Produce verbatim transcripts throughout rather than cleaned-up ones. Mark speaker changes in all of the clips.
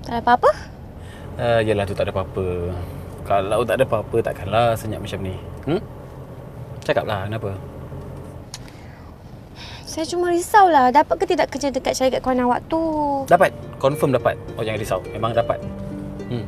Speaker 1: Tak ada apa-apa?
Speaker 2: Uh, yelah tu tak ada apa-apa. Kalau tak ada apa-apa takkanlah senyap macam ni. Hmm? Cakaplah kenapa?
Speaker 1: Saya cuma risaulah. Dapat ke tidak kerja dekat syarikat kawan awak tu?
Speaker 2: Dapat. Confirm dapat. Oh jangan risau. Memang dapat. Hmm.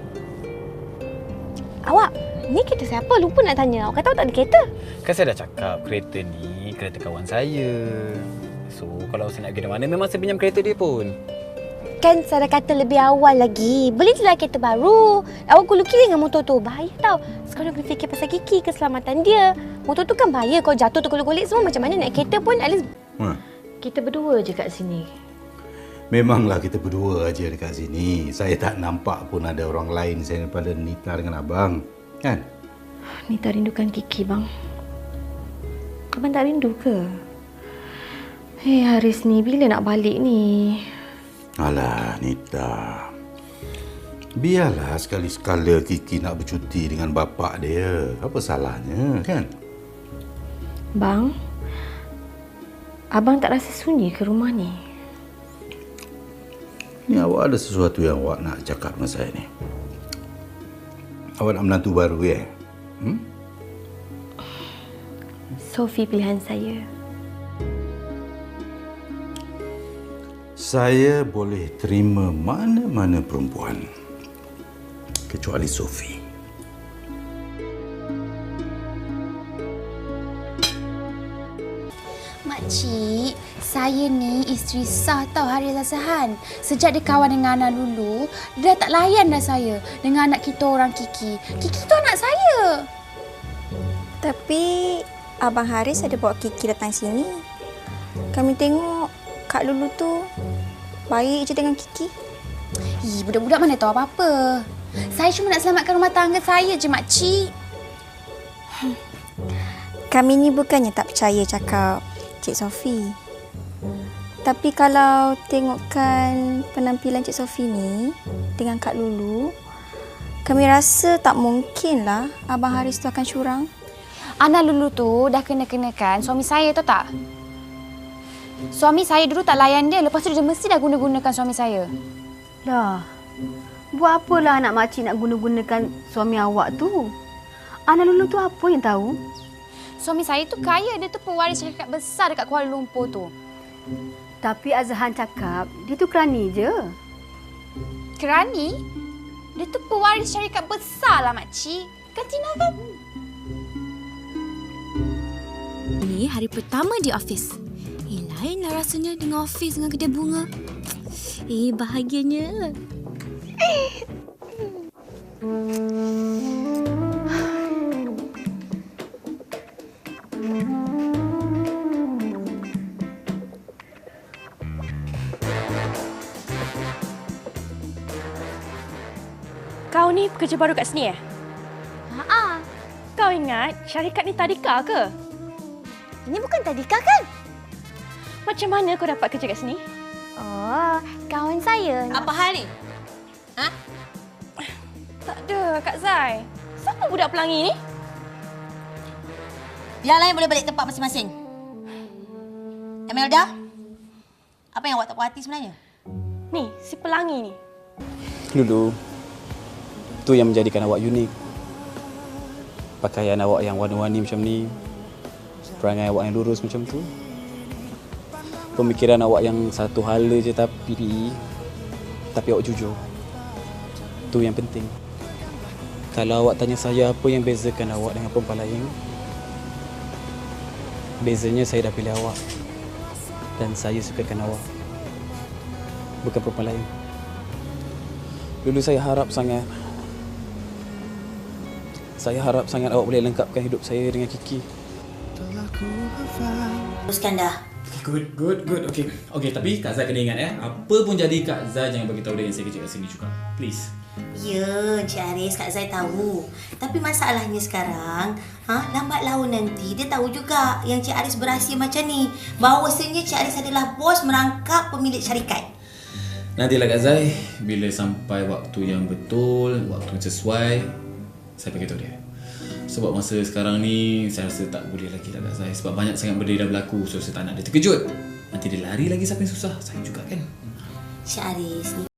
Speaker 1: Awak, ni kereta siapa? Lupa nak tanya. Awak kata awak tak ada kereta.
Speaker 2: Kan saya dah cakap kereta ni kereta kawan saya. So kalau saya nak pergi mana memang saya pinjam kereta dia pun.
Speaker 1: Kan saya dah kata lebih awal lagi. Belilah kereta baru. Awak gulu kiri dengan motor tu. Bahaya tau. Sekarang kena fikir pasal Kiki, keselamatan dia. Motor tu kan bahaya. Kalau jatuh tergolek-golek semua macam mana naik kereta pun at least...
Speaker 3: Ha.
Speaker 4: Kita berdua je kat sini.
Speaker 3: Memanglah kita berdua aja dekat sini. Saya tak nampak pun ada orang lain selain daripada Nita dengan abang. Kan?
Speaker 4: Nita rindukan Kiki, bang. Abang tak rindu ke? Hei, Haris ni bila nak balik ni?
Speaker 3: Alah, Nita. Biarlah sekali-sekala Kiki nak bercuti dengan bapak dia. Apa salahnya, kan?
Speaker 4: Bang, abang tak rasa sunyi ke rumah ni?
Speaker 3: Ni awak ada sesuatu yang awak nak cakap dengan saya ni. Awak nak menantu baru, ya? Hmm?
Speaker 4: Sophie pilihan saya.
Speaker 3: Saya boleh terima mana-mana perempuan kecuali Sophie.
Speaker 5: Makcik, saya ni isteri sah tau Haris Asahan. Sejak dia kawan dengan Ana dulu, dia dah tak layan dah saya dengan anak kita orang Kiki. Kiki tu anak saya.
Speaker 6: Tapi Abang Haris ada bawa Kiki datang sini. Kami tengok Kak Lulu tu baik je dengan Kiki.
Speaker 5: Ih, budak-budak mana tahu apa-apa. Saya cuma nak selamatkan rumah tangga saya je, makcik.
Speaker 6: Kami ni bukannya tak percaya cakap Cik Sophie. Tapi kalau tengokkan penampilan Cik Sophie ni dengan Kak Lulu, kami rasa tak mungkinlah Abang Haris tu akan curang.
Speaker 5: Ana Lulu tu dah kena-kenakan suami saya, tahu tak? Suami saya dulu tak layan dia, lepas tu dia mesti dah guna-gunakan suami saya.
Speaker 4: Dah, buat apalah anak makcik nak guna-gunakan suami awak tu? Anak Lulu tu apa yang tahu?
Speaker 5: Suami saya tu kaya, dia tu pewaris syarikat besar dekat Kuala Lumpur tu.
Speaker 4: Tapi Azhan cakap dia tu kerani je.
Speaker 5: Kerani? Dia tu pewaris syarikat besar lah, makcik. Kan Tina kan?
Speaker 7: Ini hari pertama di office. Eh, lainlah rasanya dengan office dengan kedai bunga. Eh, bahagianya.
Speaker 1: Kau ni pekerja baru kat sini eh?
Speaker 5: Haa.
Speaker 1: Kau ingat syarikat ni tadika ke?
Speaker 5: Ini bukan tadika kan?
Speaker 1: Macam mana kau dapat kerja kat sini?
Speaker 5: Oh, kawan saya.
Speaker 7: Apa hal ni? Ha?
Speaker 1: Tak ada, Kak Zai. Siapa budak pelangi ni?
Speaker 7: Yang lain boleh balik tempat masing-masing. Emelda, apa yang awak tak puas hati sebenarnya?
Speaker 1: Ni, si pelangi ni.
Speaker 2: Lulu, tu yang menjadikan awak unik. Pakaian awak yang warna-warni macam ni, perangai awak yang lurus macam tu, pemikiran awak yang satu hala je tapi tapi awak jujur. Tu yang penting. Kalau awak tanya saya apa yang bezakan awak dengan perempuan lain, bezanya saya dah pilih awak dan saya sukakan awak, bukan perempuan lain. Dulu saya harap sangat Saya harap sangat awak boleh lengkapkan hidup saya dengan Kiki.
Speaker 7: Teruskan dah.
Speaker 8: Good, good, good. Okay, okay. Tapi Kak Zai kena ingat eh, apa pun jadi Kak Zai jangan bagi tahu dia yang saya kerja kat sini juga. Please.
Speaker 7: Ya, Cik Haris, Kak Zai tahu. Tapi masalahnya sekarang, ha, lambat laun nanti dia tahu juga yang Cik Haris berahsia macam ni. Bahawasanya Cik Haris adalah bos merangkap pemilik syarikat.
Speaker 8: Nantilah Kak Zai, bila sampai waktu yang betul, waktu sesuai, saya beritahu dia. Sebab masa sekarang ni, saya rasa tak boleh lagi lah Kak Zai. Sebab banyak sangat benda dah berlaku, so saya tak nak dia terkejut. Nanti dia lari lagi siapa yang susah, saya juga kan.
Speaker 7: Cik Haris ni